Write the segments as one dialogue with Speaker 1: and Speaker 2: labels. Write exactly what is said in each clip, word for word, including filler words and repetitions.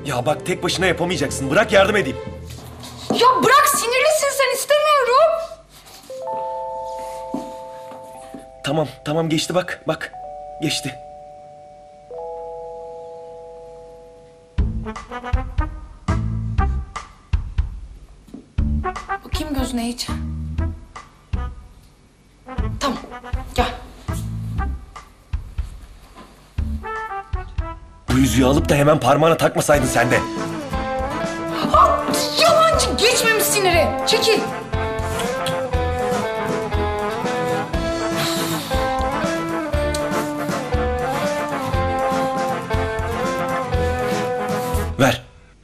Speaker 1: Ya bak tek başına yapamayacaksın. Bırak yardım edeyim.
Speaker 2: Ya bırak, sinirlisin sen, istemiyorum.
Speaker 1: Tamam tamam geçti bak bak. Geçti.
Speaker 2: Bakayım gözüne hiç. Tamam, gel.
Speaker 1: Bu yüzüğü alıp da hemen parmağına takmasaydın sen de.
Speaker 2: Ha, yalancı, geçmemiş siniri. Çekil.
Speaker 1: Ver.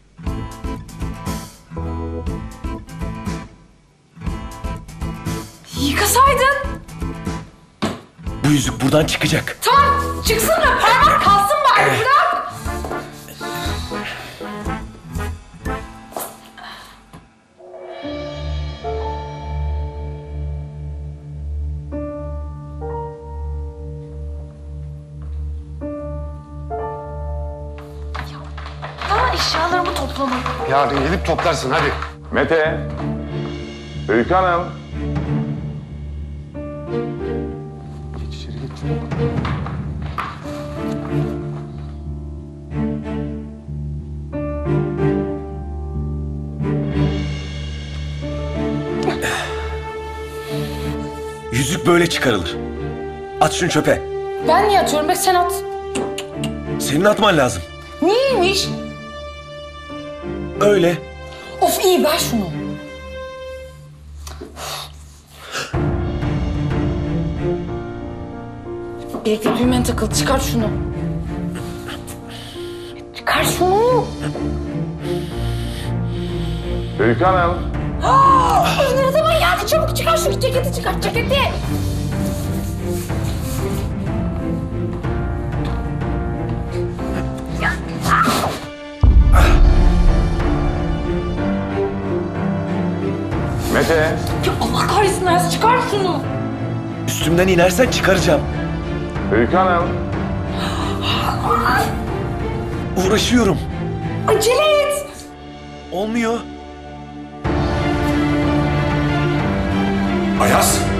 Speaker 2: Yıkasaydın.
Speaker 1: Bu yüzük buradan çıkacak.
Speaker 2: Tamam, çıksın da parmak kalsın bari, bırak. Ya eşyalarımı toplamadım.
Speaker 3: Yarın gelip toplarsın hadi.
Speaker 4: Mete, Öykü Hanım.
Speaker 3: Geç içeri geç çabuk.
Speaker 1: Yüzük böyle çıkarılır. At şunu çöpe.
Speaker 2: Ben niye atıyorum be, sen at.
Speaker 1: Senin atman lazım.
Speaker 2: Niyeymiş?
Speaker 1: Öyle.
Speaker 2: Of iyi, ver şunu. Birlikte düğmen takıldı, çıkar şunu. Çıkar şunu.
Speaker 4: Öykü Hanım.
Speaker 2: Ne zaman geldi, çabuk çıkar şu ceketi, çıkar ceketi.
Speaker 4: Mete.
Speaker 2: Ya Allah kahretsin Ayaz, çıkar şunu.
Speaker 1: Üstümden inersen çıkaracağım.
Speaker 4: Öykü Hanım.
Speaker 1: Uğraşıyorum.
Speaker 2: Acele et.
Speaker 1: Olmuyor.
Speaker 3: Ayaz.